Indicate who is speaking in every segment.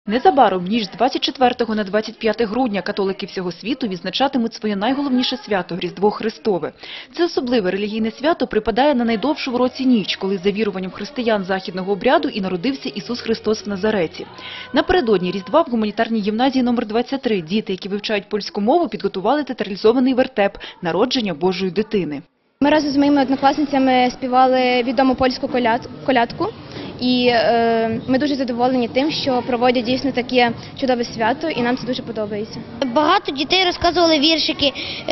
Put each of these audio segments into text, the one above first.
Speaker 1: Незабаром, ніж з 24 на 25 грудня, католики всього світу відзначатимуть своє найголовніше свято – Різдво Христове. Це особливе релігійне свято припадає на найдовшу в році ніч, коли за віруванням християн західного обряду і народився Ісус Христос в Назареті. Напередодні Різдва в гуманітарній гімназії номер 23 діти, які вивчають польську мову, підготували театралізований вертеп «Народження Божої дитини».
Speaker 2: Ми разом з моїми однокласницями співали відому польську колядку. І ми дуже задоволені тим, що проводять дійсно таке чудове свято, і нам це дуже подобається.
Speaker 3: Багато дітей розказували віршики,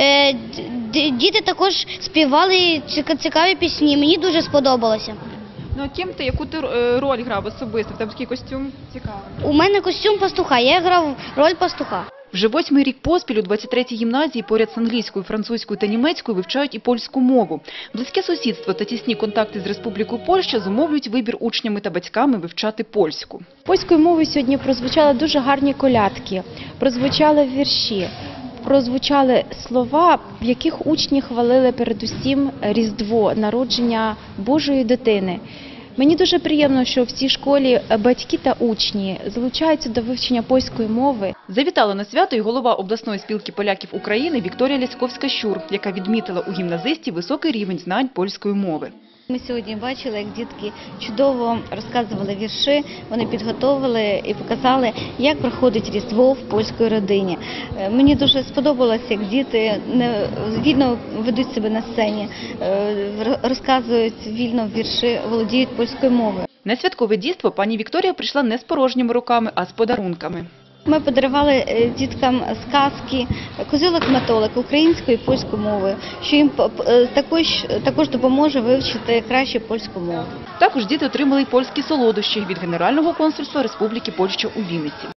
Speaker 3: діти також співали цікаві пісні, мені дуже сподобалося.
Speaker 1: Ну а ким ти, яку ти роль грав особисто? В тебе такий костюм цікавий.
Speaker 3: У мене костюм пастуха, я грав роль пастуха.
Speaker 1: Вже 8-й рік поспіль у 23-й гімназії поряд з англійською, французькою та німецькою вивчають і польську мову. Близьке сусідство та тісні контакти з Республікою Польща зумовлюють вибір учнями та батьками вивчати польську.
Speaker 4: Польською мовою сьогодні прозвучали дуже гарні колядки, прозвучали вірші, прозвучали слова, в яких учні хвалили передусім Різдво, народження Божої дитини. Мені дуже приємно, що в цій школі батьки та учні залучаються до вивчення польської мови.
Speaker 1: Завітала на свято і голова обласної спілки поляків України Вікторія Ляськовська-Щур, яка відмітила у гімназистів високий рівень знань польської мови.
Speaker 5: Ми сьогодні бачили, як дітки чудово розказували вірші, вони підготовили і показали, як проходить Різдво в польській родині. Мені дуже сподобалося, як діти вільно ведуть себе на сцені, розказують вільно вірші, володіють польською мовою.
Speaker 1: На святкове дійство пані Вікторія прийшла не з порожніми руками, а з подарунками.
Speaker 5: Ми подарували діткам сказки, козилок-метолик українською і польською мовою, що їм також допоможе вивчити краще польську мову.
Speaker 1: Також діти отримали й польські солодощі від Генерального консульства Республіки Польща у Вінниці.